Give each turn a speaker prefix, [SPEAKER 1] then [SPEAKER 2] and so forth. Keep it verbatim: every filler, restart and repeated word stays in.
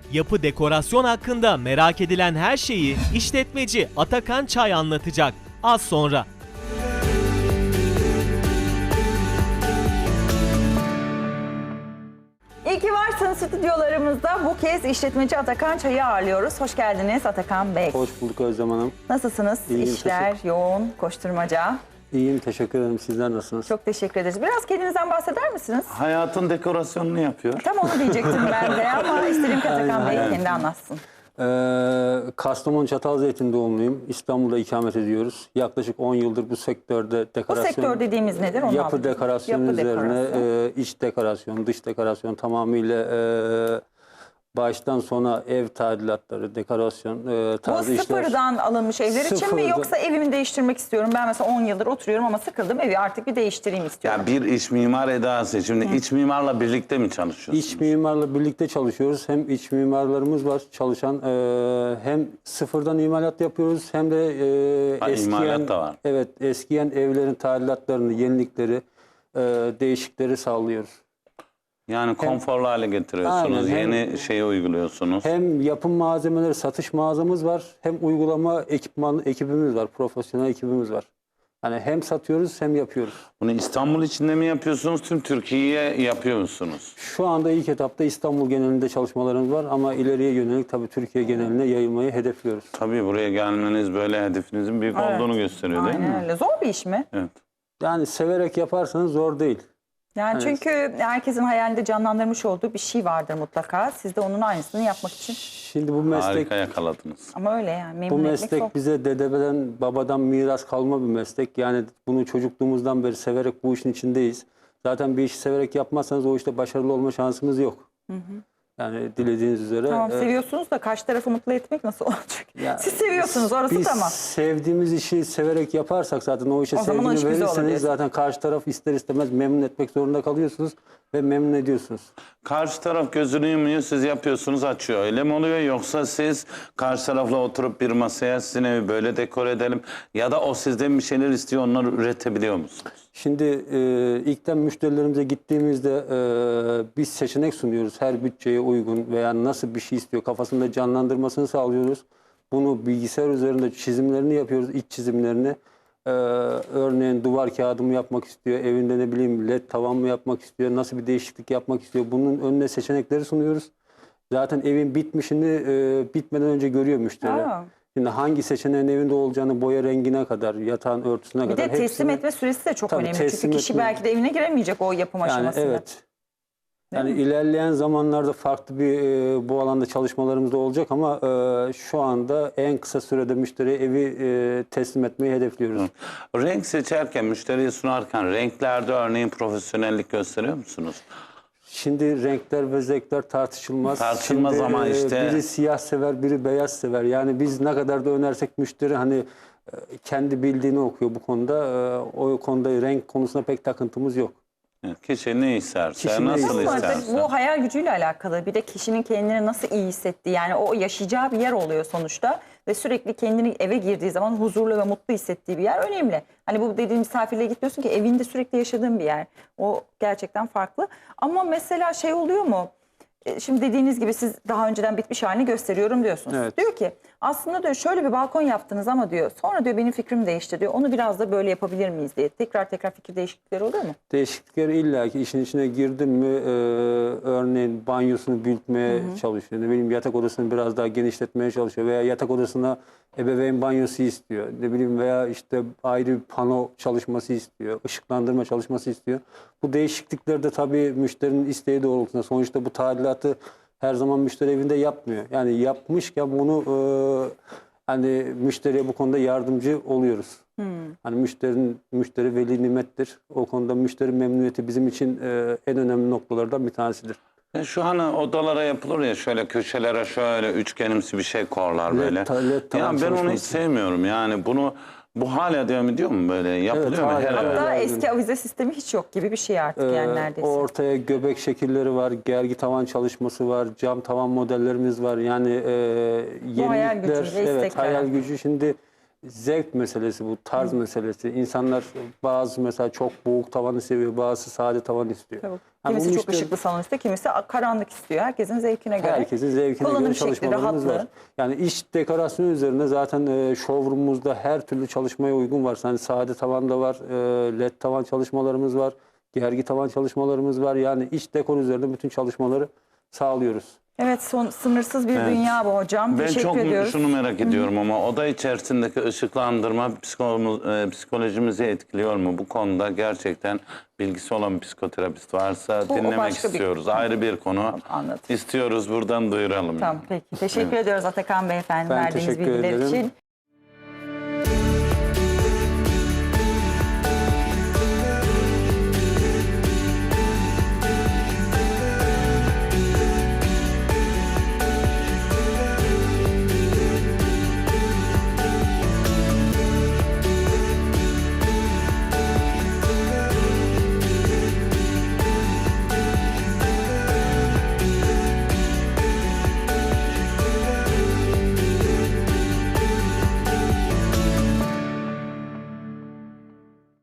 [SPEAKER 1] Yapı dekorasyon hakkında merak edilen her şeyi işletmeci Atakan Çay anlatacak. Az sonra.
[SPEAKER 2] İyi ki varsınız stüdyolarımızda. Bu kez işletmeci Atakan Çay'ı ağırlıyoruz. Hoş geldiniz Atakan Bey.
[SPEAKER 3] Hoş bulduk Özlem Hanım.
[SPEAKER 2] Nasılsınız?
[SPEAKER 3] İyiyim,
[SPEAKER 2] İşler yoğun, koşturmaca.
[SPEAKER 3] İyiyim, teşekkür ederim. Sizler nasılsınız?
[SPEAKER 2] Çok teşekkür ederiz. Biraz kendinizden bahseder misiniz?
[SPEAKER 4] Hayatın dekorasyonunu yapıyor.
[SPEAKER 2] Tam onu diyecektim ben de ama isterim ki Atakan Bey
[SPEAKER 3] aynen.
[SPEAKER 2] kendi anlatsın.
[SPEAKER 3] Ee, Kastamonu Çatalzeytin doğumluyum. İstanbul'da ikamet ediyoruz. Yaklaşık on yıldır bu sektörde
[SPEAKER 2] Bu
[SPEAKER 3] dekorasyon...
[SPEAKER 2] sektör dediğimiz nedir? Onu
[SPEAKER 3] Yapı
[SPEAKER 2] anlatın.
[SPEAKER 3] dekorasyonu
[SPEAKER 2] Yapı
[SPEAKER 3] üzerine
[SPEAKER 2] dekorasyon.
[SPEAKER 3] e, iç dekorasyon, dış dekorasyon tamamıyla e, baştan sona ev tadilatları, dekorasyon e,
[SPEAKER 2] Bu
[SPEAKER 3] tarzı işler.
[SPEAKER 2] sıfırdan alınmış evler için mi
[SPEAKER 3] Sıfırdan.
[SPEAKER 2] yoksa evimi değiştirmek istiyorum? Ben mesela on yıldır oturuyorum ama sıkıldım, evi artık bir değiştireyim istiyorum.
[SPEAKER 4] Ya bir iç mimar edası. Şimdi iç mimarla birlikte mi çalışıyorsunuz?
[SPEAKER 3] İç mimarla birlikte çalışıyoruz. Hem iç mimarlarımız var çalışan, e, hem sıfırdan imalat yapıyoruz hem de e,
[SPEAKER 4] Ha,
[SPEAKER 3] eskiyen,
[SPEAKER 4] imalat da var.
[SPEAKER 3] evet eskiyen evlerin tadilatlarını, yenilikleri, e, değişikleri sağlıyoruz.
[SPEAKER 4] Yani konforlu hale getiriyorsunuz.
[SPEAKER 3] Aynen, hem-
[SPEAKER 4] Yeni şeyi uyguluyorsunuz.
[SPEAKER 3] Hem yapım malzemeleri satış mağazamız var, hem uygulama ekipman ekibimiz var, profesyonel ekibimiz var. Yani hem satıyoruz hem yapıyoruz.
[SPEAKER 4] Bunu İstanbul içinde mi yapıyorsunuz? Tüm Türkiye'ye yapıyor musunuz?
[SPEAKER 3] Şu anda ilk etapta İstanbul genelinde çalışmalarımız var ama ileriye yönelik tabii Türkiye geneline yayılmayı hedefliyoruz.
[SPEAKER 4] Tabii buraya gelmeniz böyle hedefinizin büyük
[SPEAKER 2] Evet.
[SPEAKER 4] olduğunu gösteriyor değil
[SPEAKER 2] Aynen
[SPEAKER 4] mi?
[SPEAKER 2] öyle. Zor bir iş mi?
[SPEAKER 4] Evet.
[SPEAKER 3] Yani severek yaparsanız zor değil.
[SPEAKER 2] Yani
[SPEAKER 3] Evet.
[SPEAKER 2] çünkü herkesin hayalinde canlandırmış olduğu bir şey vardır mutlaka. Siz de onun aynısını yapmak için.
[SPEAKER 3] Şimdi bu meslek
[SPEAKER 4] Harika yakaladınız.
[SPEAKER 2] Ama öyle yani
[SPEAKER 3] bu
[SPEAKER 2] memnun etmek
[SPEAKER 3] meslek
[SPEAKER 2] zor.
[SPEAKER 3] bize dededen, babadan miras kalma bir meslek. Yani bunu çocukluğumuzdan beri severek bu işin içindeyiz. Zaten bir işi severek yapmazsanız o işte başarılı olma şansımız yok. Yani dilediğiniz üzere.
[SPEAKER 2] Tamam
[SPEAKER 3] e,
[SPEAKER 2] seviyorsunuz da karşı tarafı mutlu etmek nasıl olacak?
[SPEAKER 3] Ya,
[SPEAKER 2] Siz seviyorsunuz orası
[SPEAKER 3] Biz
[SPEAKER 2] tamam.
[SPEAKER 3] sevdiğimiz işi severek yaparsak zaten o işe
[SPEAKER 2] O zaman o
[SPEAKER 3] sevgini
[SPEAKER 2] iş güzel olur
[SPEAKER 3] verirseniz
[SPEAKER 2] diyorsun.
[SPEAKER 3] zaten karşı taraf ister istemez memnun etmek zorunda kalıyorsunuz ve memnun ediyorsunuz.
[SPEAKER 4] Karşı taraf gözünü yumuyor, siz yapıyorsunuz, açıyor. Öyle mi oluyor? Yoksa siz karşı tarafla oturup bir masaya sizin evi böyle dekor edelim ya da o sizden bir şeyler istiyor, onları üretebiliyor musunuz?
[SPEAKER 3] Şimdi e, ilkten müşterilerimize gittiğimizde e, biz seçenek sunuyoruz. Her bütçeye uygun veya nasıl bir şey istiyor kafasında canlandırmasını sağlıyoruz. Bunu bilgisayar üzerinde çizimlerini yapıyoruz, iç çizimlerini. E, örneğin duvar kağıdı mı yapmak istiyor, evinde ne bileyim led tavan mı yapmak istiyor, nasıl bir değişiklik yapmak istiyor. Bunun önüne seçenekleri sunuyoruz. Zaten evin bitmişini e, bitmeden önce görüyor müşteri.
[SPEAKER 2] Aa.
[SPEAKER 3] Şimdi hangi seçeneğin evinde olacağını boya rengine kadar, yatağın örtüsüne
[SPEAKER 2] Bir de
[SPEAKER 3] kadar
[SPEAKER 2] teslim
[SPEAKER 3] hepsini-
[SPEAKER 2] etme süresi de çok
[SPEAKER 3] Tabii,
[SPEAKER 2] önemli. Çünkü
[SPEAKER 3] teslim
[SPEAKER 2] kişi
[SPEAKER 3] etme-
[SPEAKER 2] belki de evine giremeyecek o yapım
[SPEAKER 3] Yani
[SPEAKER 2] aşamasında.
[SPEAKER 3] evet. Yani ilerleyen zamanlarda farklı bir e, bu alanda çalışmalarımız da olacak ama e, şu anda en kısa sürede müşteriye evi e, teslim etmeyi hedefliyoruz.
[SPEAKER 4] Renk seçerken, müşteriye sunarken renklerde örneğin profesyonellik gösteriyor musunuz?
[SPEAKER 3] Şimdi renkler ve zevkler tartışılmaz.
[SPEAKER 4] Tartışılmaz
[SPEAKER 3] Şimdi,
[SPEAKER 4] ama
[SPEAKER 3] e,
[SPEAKER 4] işte-
[SPEAKER 3] biri siyah sever, biri beyaz sever. Yani biz ne kadar da önersek müşteri hani e, kendi bildiğini okuyor bu konuda. E, o konuda renk konusunda pek takıntımız yok.
[SPEAKER 4] Evet, kişi ne isterse,
[SPEAKER 3] Kişi ne
[SPEAKER 4] nasıl
[SPEAKER 2] Ama
[SPEAKER 3] isterse.
[SPEAKER 2] tabii
[SPEAKER 4] isterse.
[SPEAKER 2] bu hayal gücüyle alakalı. Bir de kişinin kendini nasıl iyi hissettiği yani o yaşayacağı bir yer oluyor sonuçta. Ve sürekli kendini eve girdiği zaman huzurlu ve mutlu hissettiği bir yer önemli. Hani bu dediğim misafirliğe gitmiyorsun ki evinde sürekli yaşadığın bir yer. O gerçekten farklı. Ama mesela şey oluyor mu? E, Şimdi dediğiniz gibi siz daha önceden bitmiş halini gösteriyorum diyorsunuz.
[SPEAKER 3] Evet.
[SPEAKER 2] Diyor ki aslında diyor şöyle bir balkon yaptınız ama diyor sonra diyor benim fikrim değişti diyor. Onu biraz da böyle yapabilir miyiz diye. Tekrar tekrar fikir değişiklikleri oluyor mu?
[SPEAKER 3] Değişiklikler illaki işin içine girdin mi e, örneğin banyosunu büyütmeye çalışıyor. Ne bileyim yatak odasını biraz daha genişletmeye çalışıyor veya yatak odasına ebeveyn banyosu istiyor. Ne bileyim veya işte ayrı bir pano çalışması istiyor. Işıklandırma çalışması istiyor. Bu değişiklikleri de tabii müşterinin isteği doğrultusunda. Sonuçta bu tadilatı her zaman müşteri evinde yapmıyor. Yani yapmışken bunu e, hani müşteriye bu konuda yardımcı oluyoruz. Hani müşterinin müşteri veli nimettir. O konuda müşteri memnuniyeti bizim için e, en önemli noktalardan bir tanesidir.
[SPEAKER 4] Ya şu hani odalara yapılır ya şöyle köşelere şöyle üçgenimsi bir şey korlar
[SPEAKER 3] Led
[SPEAKER 4] böyle.
[SPEAKER 3] ta- led tavan
[SPEAKER 4] Ya ben onu hiç
[SPEAKER 3] çalışması.
[SPEAKER 4] sevmiyorum yani bunu bu hala devam ediyor mu böyle yapılıyor mu
[SPEAKER 3] hala
[SPEAKER 4] her
[SPEAKER 3] devam
[SPEAKER 4] eve?
[SPEAKER 3] ediyor.
[SPEAKER 2] Hatta
[SPEAKER 3] Yani-
[SPEAKER 2] eski avize sistemi hiç yok gibi bir şey artık yani
[SPEAKER 3] Ee,
[SPEAKER 2] neredeyse.
[SPEAKER 3] Ortaya göbek şekilleri var, gergi tavan çalışması var, cam tavan modellerimiz var. Yani e,
[SPEAKER 2] hayal
[SPEAKER 3] yenilikler,
[SPEAKER 2] gücüyle
[SPEAKER 3] evet
[SPEAKER 2] istekler.
[SPEAKER 3] hayal gücü. Şimdi zevk meselesi, bu tarz meselesi. İnsanlar bazı mesela çok boğuk tavanı seviyor, bazısı sade tavan istiyor.
[SPEAKER 2] Tabii.
[SPEAKER 3] Yani
[SPEAKER 2] Kimisi
[SPEAKER 3] bunun
[SPEAKER 2] çok
[SPEAKER 3] işte
[SPEAKER 2] ışıklı salon istiyor, kimisi karanlık istiyor. Herkesin zevkine göre.
[SPEAKER 3] herkesin zevkine
[SPEAKER 2] Kullanım
[SPEAKER 3] göre
[SPEAKER 2] şekli,
[SPEAKER 3] çalışmalarımız
[SPEAKER 2] rahatlığı.
[SPEAKER 3] var. Yani iç dekorasyonu üzerine zaten e, showroom'umuzda her türlü çalışmaya uygun var. Yani sade tavan da var, e, led tavan çalışmalarımız var, gergi tavan çalışmalarımız var. Yani iç dekor üzerine bütün çalışmaları sağlıyoruz.
[SPEAKER 2] Evet, son, sınırsız bir
[SPEAKER 4] Evet.
[SPEAKER 2] dünya bu hocam.
[SPEAKER 4] Ben
[SPEAKER 2] Teşekkür
[SPEAKER 4] çok
[SPEAKER 2] ediyoruz.
[SPEAKER 4] şunu merak ediyorum ama oda içerisindeki ışıklandırma psikolojimiz, e, psikolojimizi etkiliyor mu? Bu konuda gerçekten bilgisi olan bir psikoterapist varsa
[SPEAKER 2] Bu o
[SPEAKER 4] dinlemek
[SPEAKER 2] başka bir-
[SPEAKER 4] istiyoruz. Ayrı bir konu.
[SPEAKER 2] Anladım.
[SPEAKER 4] İstiyoruz, buradan duyuralım.
[SPEAKER 2] Tamam, peki. Teşekkür ediyoruz Atakan Beyefendi
[SPEAKER 3] Ben
[SPEAKER 2] verdiğiniz
[SPEAKER 3] teşekkür
[SPEAKER 2] bilgiler
[SPEAKER 3] ederim.
[SPEAKER 2] için.